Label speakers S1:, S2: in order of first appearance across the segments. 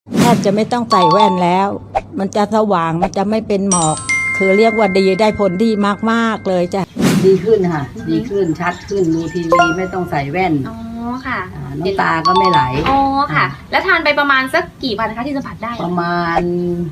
S1: แทบจะไม่ต้องใส่แว่นแล้วมันจะสว่างมันจะไม่เป็นหมอกคือเรียกว่าดีได้ผลดีมากๆเลยจ้ะ
S2: ดีขึ้นค่ะดีขึ้นชัดขึ้นดูทีวีไม่ต้องใส่แว่น
S3: อ๋อค่ะ
S2: น้ำตาก็ไม่ไหล
S3: อ๋อค่ะแล้วทานไปประมาณสักกี่วันคะที่สัมผัสได้
S2: ประมาณ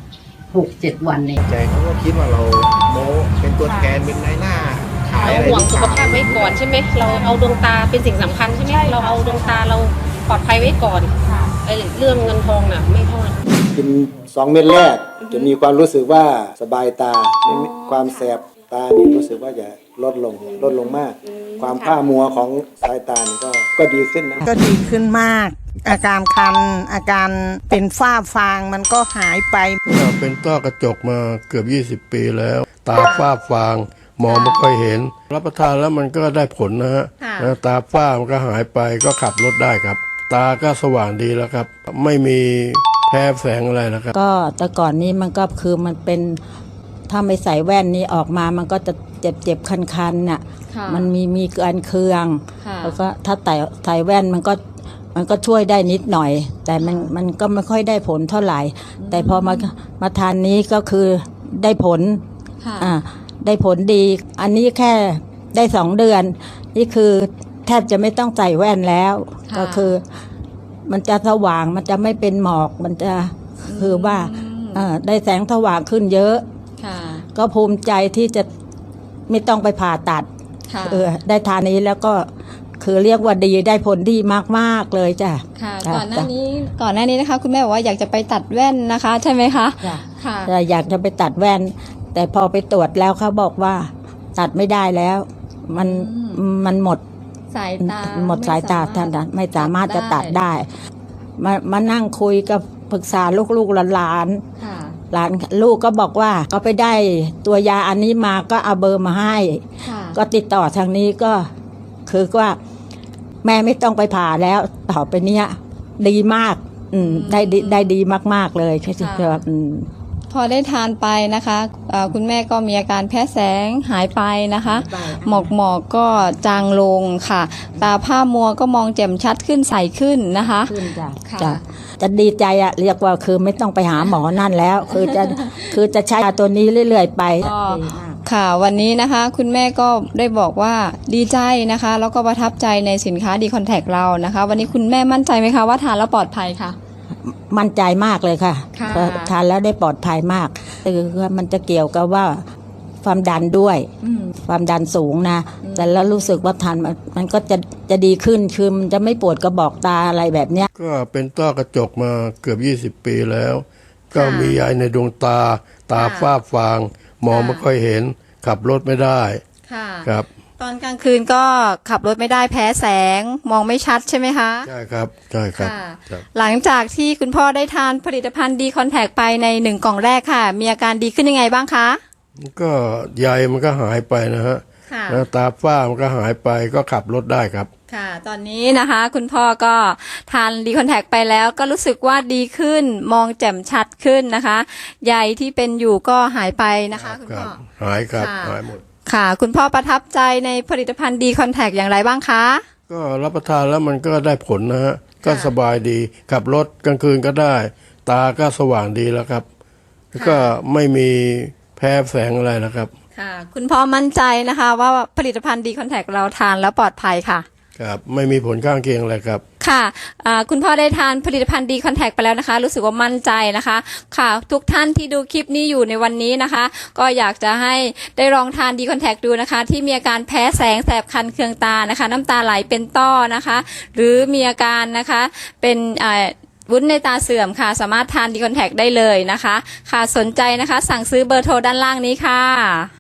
S2: 6-7 วันเอง
S4: ใจเขาก็คิดว่าเราโม้เป็นตัวแทนเป็นนายหน้าขายอะไร
S5: ห่วงสุขภาพไว้ก่อนใช่ไหมเราเอาดวงตาเป็นสิ่งสำคัญใช่ไหมเราเอาดวงตาเราปลอดภัยไว้ก่อนไอ้เรื่องเงินทองน่ะไม่เท่าไหร่
S6: กิน2 เม็ดแรกจะมีความรู้สึกว่าสบายตาความแสบตานี่รู้สึกว่าจะลดลงมากความผ้ามัวของสายตานี่ก็ดีขึ้นนะ
S7: ก็ดีขึ้นมากอาการคันอาการเป็นฝ้าฟางมันก็หายไป
S8: เป็นต้อกระจกมาเกือบ20 ปีแล้วตาฝ้าฟางมองไม่ค่อยเห็นรับประทานแล้วมันก็ได้ผลนะฮะตาฝ้ามันก็หายไปก็ขับรถได้ครับตาก็สว่างดีแล้วครับไม่มีแพ้แสงอะไรนะครับ
S1: ก็แต่ก่อนนี้มันก็คือมันเป็นถ้าไม่ใส่แว่นนี้ออกมามันก็จะเจ็บคันๆน่ะมันมีการเคืองแล้วก็ถ้าใส่แว่นมันก็ช่วยได้นิดหน่อยแต่มันก็ไม่ค่อยได้ผลเท่าไหร่แต่พอมาทานนี้ก็คือได้ผลได้ผลดีอันนี้แค่ได้2 เดือนนี่คือแทบจะไม่ต้องใส่แว่นแล้วก็คือมันจะสว่างมันจะไม่เป็นหมอกมันจะคือว่าได้แสงสว่างขึ้นเยอะก็ภูมิใจที่จะไม่ต้องไปผ่าตัดได้ทานนี้แล้วก็คือเรียกว่าดีได้ผลดีมากๆเลยจ้ะ
S9: ก่อนหน้านี้นะคะคุณแม่บอกว่าอยากจะไปตัดแว่นนะคะใช่ไหมคะ
S1: ค่ะอยากจะไปตัดแว่นแต่พอไปตรวจแล้วเขาบอกว่าตัดไม่ได้แล้วมันหมด
S9: สายตา
S1: ท่านไม่สามารถจะตัดได้มานั่งคุยกับปรึกษาลูกๆหลานลูกก็บอกว่าก็ไปได้ตัวยาอันนี้มาก็เอาเบอร์มาให้ก็ติดต่อทางนี้ก็คือว่าแม่ไม่ต้องไปผ่าแล้วต่อไปเนี้ยดีมากได้ดีมากๆเลยใช่ไหม
S9: พอได้ทานไปนะคะคุณแม่ก็มีอาการแพ้แสงหายไปนะคะหมอกก็จางลงค่ะตาผ้ามัวก็มองแจ่มชัดขึ้นใสขึ้นนะคะ
S1: จะดีใจอะเรียกว่าคือไม่ต้องไปหาหมอนั่นแล้วคือจะใช้ตัวนี้เรื่อยๆไป
S9: ค่ะวันนี้นะคะคุณแม่ก็ได้บอกว่าดีใจนะคะแล้วก็ประทับใจในสินค้าดีคอนแทคเรานะคะวันนี้คุณแม่มั่นใจไหมคะว่าทานแล้วปลอดภัยค่ะ
S1: มั่นใจมากเลยค่ะทานแล้วได้ปลอดภัยมากคือมันจะเกี่ยวกับว่าความดันด้วยความดันสูงนะแต่แล้วรู้สึกว่าทานมันก็จะดีขึ้นคือมันจะไม่ปวดกระบอกตาอะไรแบบเนี้ย
S8: ก็เป็นต้อกระจกมาเกือบ20 ปีแล้วก็มียายในดวงตาฝ้าฟางมองไม่ค่อยเห็นขับรถไม่ได้ครับ
S9: ตอนกลางคืนก็ขับรถไม่ได้แพ้แสงมองไม่ชัดใช่ไหมคะ
S8: ใช่ครับใช่ครับ
S9: หลังจากที่คุณพ่อได้ทานผลิตภัณฑ์ดีคอนแทคไปใน1 กล่องแรกค่ะมีอาการดีขึ้นยังไงบ้างคะ
S8: ก็ใยมันก็หายไปนะฮะแล้วตาฝ้ามันก็หายไปก็ขับรถได้ครับ
S9: ค่ะตอนนี้นะคะคุณพ่อก็ทานดีคอนแทคไปแล้วก็รู้สึกว่าดีขึ้นมองแจ่มชัดขึ้นนะคะใยที่เป็นอยู่ก็หายไปนะคะคุณพ่อ
S8: หายครับหายหมด
S9: ค่ะคุณพ่อประทับใจในผลิตภัณฑ์ดีคอนแทคอย่างไรบ้างคะ
S8: ก็รับประทานแล้วมันก็ได้ผลนะฮะก็สบายดีขับรถกลางคืนก็ได้ตาก็สว่างดีแล้วครับแล้วก็ไม่มีแพ้แสงอะไรนะครับ
S9: ค่ะคุณพ่อมั่นใจนะคะว่าผลิตภัณฑ์ดีคอนแทคเราทานแล้วปลอดภัยค่ะ
S8: ครับไม่มีผลข้างเคียงอะไรครับ
S9: ค่ะคุณพ่อได้ทานผลิตภัณฑ์ดีคอนแทคไปแล้วนะคะรู้สึกว่ามั่นใจนะคะค่ะทุกท่านที่ดูคลิปนี้อยู่ในวันนี้นะคะก็อยากจะให้ได้ลองทานดีคอนแทคดูนะคะที่มีอาการแพ้แสงแสบคันเคืองตานะคะน้ำตาไหลเป็นต้อนะคะหรือมีอาการนะคะเป็นวุ้นในตาเสื่อมค่ะสามารถทานดีคอนแทคได้เลยนะคะค่ะสนใจนะคะสั่งซื้อเบอร์โทรด้านล่างนี้ค่ะ